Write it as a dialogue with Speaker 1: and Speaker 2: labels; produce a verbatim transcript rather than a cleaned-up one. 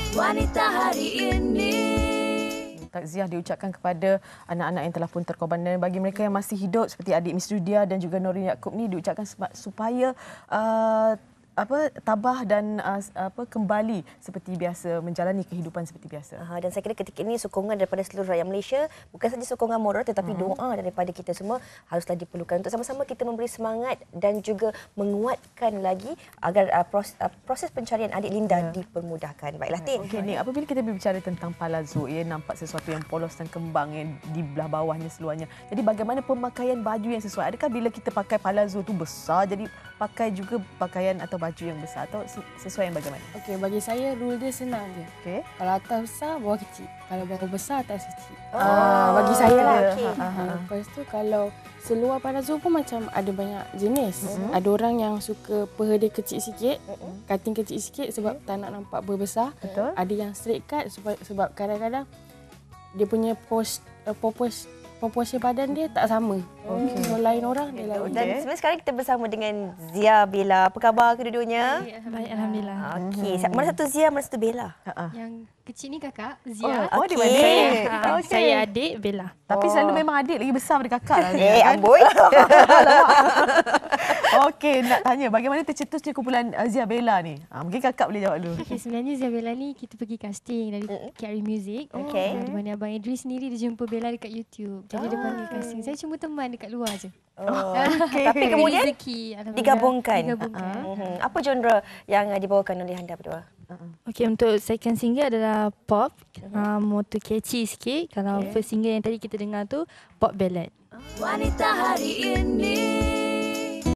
Speaker 1: Wanita hari ini.
Speaker 2: Takziah diucapkan kepada anak-anak yang telah pun terkorban, dan bagi mereka yang masih hidup seperti adik Miss Dudia dan juga Norin Yaakob ni diucapkan supaya uh, apa tabah dan uh, apa kembali seperti biasa, menjalani kehidupan seperti biasa.
Speaker 3: Uh, dan saya kira ketika ini sokongan daripada seluruh rakyat Malaysia, bukan saja sokongan moral tetapi uh-huh. doa daripada kita semua haruslah diperlukan untuk sama-sama kita memberi semangat dan juga menguatkan lagi agar uh, proses, uh, proses pencarian adik Linda yeah. dipermudahkan. Baiklah, Tin.
Speaker 2: Okey, ni apabila kita berbicara tentang palazzo, ia nampak sesuatu yang polos dan kembang yang di belah bawahnya seluarnya. Jadi bagaimana pemakaian baju yang sesuai? Adakah bila kita pakai palazzo tu besar, jadi pakai juga pakaian atau baju yang besar, atau sesuai yang bagaimana?
Speaker 4: Okey, bagi saya rule dia senang je.
Speaker 2: Okey.
Speaker 4: Kalau atas besar, bawah kecil. Kalau bawah besar, atas kecil.
Speaker 3: Oh,
Speaker 4: ah, bagi saya lah.
Speaker 3: Okay.
Speaker 4: Ha, ha. Lepas tu kalau seluar palazzo pun macam ada banyak jenis. Uh-huh. Ada orang yang suka peha dia kecil sikit, uh-huh. cutting kecil sikit sebab uh-huh. tak nak nampak berbesar.
Speaker 2: Betul.
Speaker 4: Ada yang straight cut sebab, sebab kadang-kadang dia punya pos, uh, popos proporsi badan dia tak sama. Okay. So, lain orang dia lain.
Speaker 3: Dan sebenarnya sekarang kita bersama dengan Zia, Bella. Apa khabar kedua-duanya?
Speaker 5: Baik, Alhamdulillah.
Speaker 3: Okey. Hmm. Mana satu Zia, mana satu Bella?
Speaker 5: Yang kecil ni kakak, Zia.
Speaker 3: Oh, okay.
Speaker 5: Saya, okay. saya adik, Bella.
Speaker 2: Tapi
Speaker 3: oh.
Speaker 2: selalu memang adik lagi besar daripada kakak lah.
Speaker 3: Eh, amboi.
Speaker 2: Okey, nak tanya bagaimana tercetusnya kumpulan Zia Bella ni? Ha, mungkin kakak boleh jawab dulu.
Speaker 5: Okay, sebenarnya Zia Bella ni kita pergi casting dari K R Music.
Speaker 3: Okay.
Speaker 5: Di mana Abang Idris sendiri dia jumpa Bella dekat YouTube. Jadi dia panggil casting. Saya cuma teman dekat luar je.
Speaker 3: Oh. Okay. Tapi kemudian
Speaker 5: rezeki,
Speaker 3: digabungkan.
Speaker 5: digabungkan.
Speaker 3: Uh-huh. Apa genre yang dibawakan oleh anda berdua?
Speaker 5: Okey, untuk second single adalah pop. Uh-huh. Um, motor catchy sikit. Kalau okay. first single yang tadi kita dengar tu pop ballad.
Speaker 1: Wanita hari ini.